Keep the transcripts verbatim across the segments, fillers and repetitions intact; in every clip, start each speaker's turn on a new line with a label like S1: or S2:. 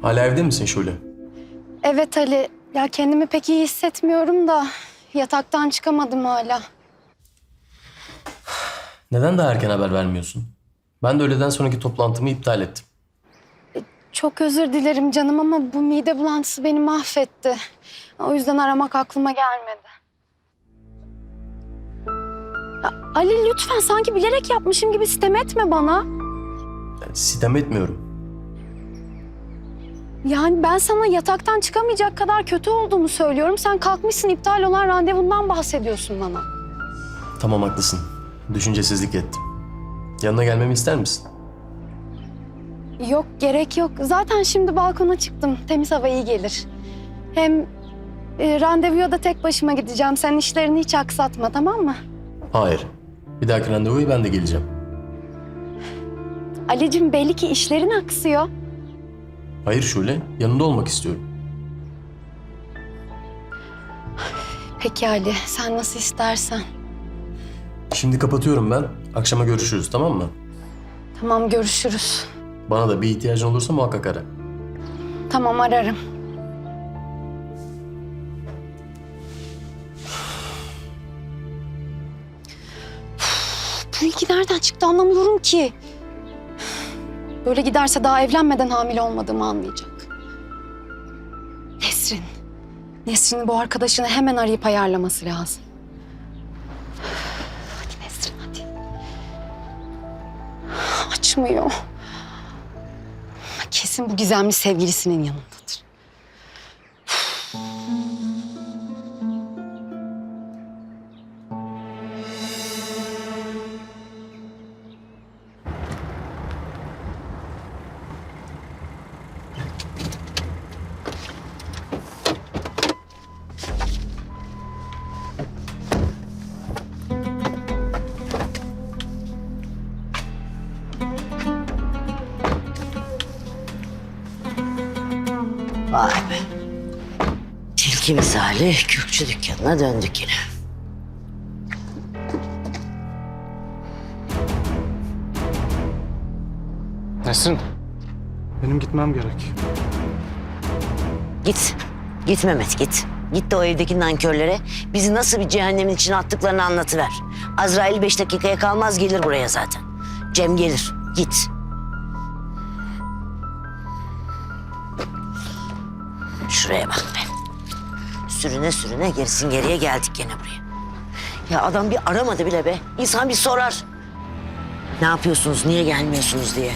S1: Hala evde misin Şule?
S2: Evet Ali. Ya kendimi pek iyi hissetmiyorum da yataktan çıkamadım hala.
S1: Neden daha erken haber vermiyorsun? Ben de öğleden sonraki toplantımı iptal ettim.
S2: Çok özür dilerim canım ama bu mide bulantısı beni mahvetti. O yüzden aramak aklıma gelmedi. Ya Ali lütfen sanki bilerek yapmışım gibi sitem etme bana.
S1: Yani sitem etmiyorum.
S2: Yani ben sana yataktan çıkamayacak kadar kötü olduğumu söylüyorum. Sen kalkmışsın iptal olan randevundan bahsediyorsun bana.
S1: Tamam haklısın. Düşüncesizlik ettim. Yanına gelmemi ister misin?
S2: Yok gerek yok. Zaten şimdi balkona çıktım. Temiz hava iyi gelir. Hem e, randevuya da tek başıma gideceğim. Sen işlerini hiç aksatma, tamam mı?
S1: Hayır. Bir dahaki randevuya ben de geleceğim.
S2: Ali'cim belli ki işlerin aksıyor.
S1: Hayır Şule, yanında olmak istiyorum.
S2: Peki Ali, sen nasıl istersen.
S1: Şimdi kapatıyorum ben. Akşama görüşürüz, tamam mı?
S2: Tamam, görüşürüz.
S1: Bana da bir ihtiyacın olursa muhakkak ara.
S2: Tamam, ararım. Bu ilgi nereden çıktı anlamıyorum ki. Böyle giderse daha evlenmeden hamile olmadığımı anlayacak. Nesrin. Nesrin'in bu arkadaşını hemen arayıp ayarlaması lazım. Hadi Nesrin, hadi. Açmıyor. Kesin bu gizemli sevgilisinin yanındadır.
S3: Vay be. Tilki misali kürkçü dükkanına döndük yine.
S4: Nesrin, benim gitmem gerek.
S3: Git. Git Mehmet git. Git de o evdeki nankörlere bizi nasıl bir cehennemin içine attıklarını anlatıver. Azrail beş dakikaya kalmaz gelir buraya zaten. Cem gelir. Git. Şuraya bak be. Sürüne sürüne gerisin geriye geldik gene buraya. Ya adam bir aramadı bile be. İnsan bir sorar. Ne yapıyorsunuz, niye gelmiyorsunuz diye.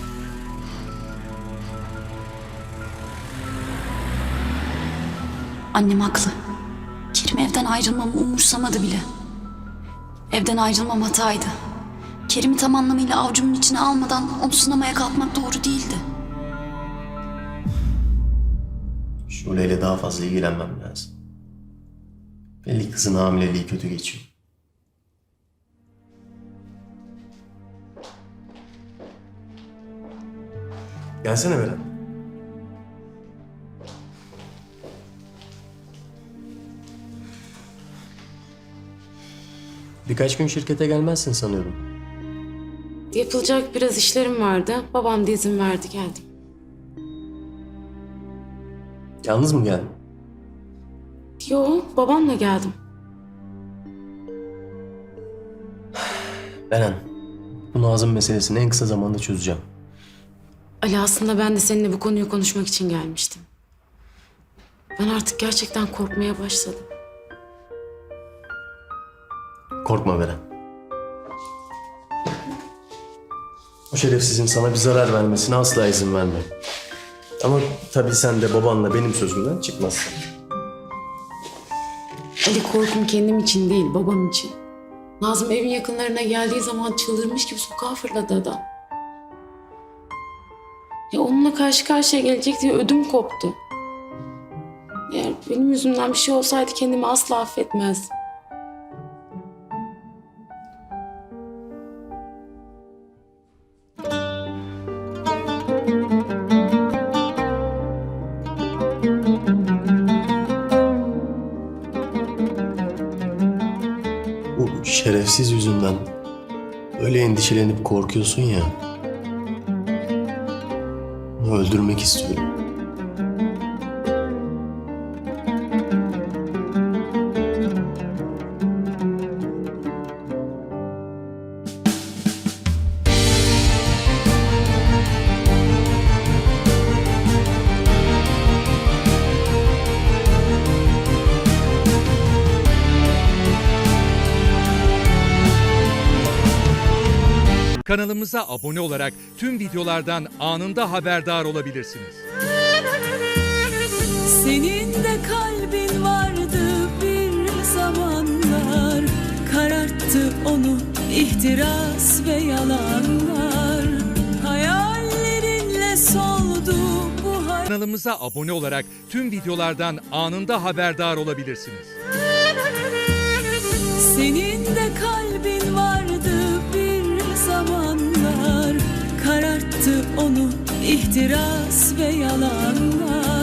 S5: Annem haklı. Kerim evden ayrılmamı umursamadı bile. Evden ayrılmam hataydı. Kerim'i tam anlamıyla avcumun içine almadan onu sınamaya kalkmak doğru değildi.
S1: Şule'yle daha fazla ilgilenmem lazım. Belli kızın hamileliği kötü geçiyor. Gelsene Beren. Birkaç gün şirkete gelmezsin sanıyordum.
S6: Yapılacak biraz işlerim vardı. Babam da izin verdi, geldim.
S1: Yalnız mı geldin?
S6: Yo, babamla geldim.
S1: Beren, bu Nazım meselesini en kısa zamanda çözeceğim.
S6: Ali, aslında ben de seninle bu konuyu konuşmak için gelmiştim. Ben artık gerçekten korkmaya başladım.
S1: Korkma Beren. O şerefsizin sana bir zarar vermesine asla izin verme. Ama tabii sen de babanla benim sözümden çıkmazsın.
S6: Ali, korkum kendim için değil, babam için. Nazım evin yakınlarına geldiği zaman çıldırmış gibi sokağa fırladı adam. Ya onunla karşı karşıya gelecek diye ödüm koptu. Eğer benim yüzümden bir şey olsaydı kendimi asla affetmezdim.
S1: Bu şerefsiz yüzünden öyle endişelenip korkuyorsun ya. Onu öldürmek istiyorum.
S7: Kanalımıza abone olarak tüm videolardan anında haberdar olabilirsiniz.
S8: Senin de kalbin vardı bir zamanlar, kararttı onu ihtiras ve yalanlar. Hayallerinle soldu bu hayat.
S7: Kanalımıza abone olarak tüm videolardan anında haberdar olabilirsiniz.
S8: Senin de kalbin vardı bir zamanlar, kararttı onu ihtiras ve yalanlar.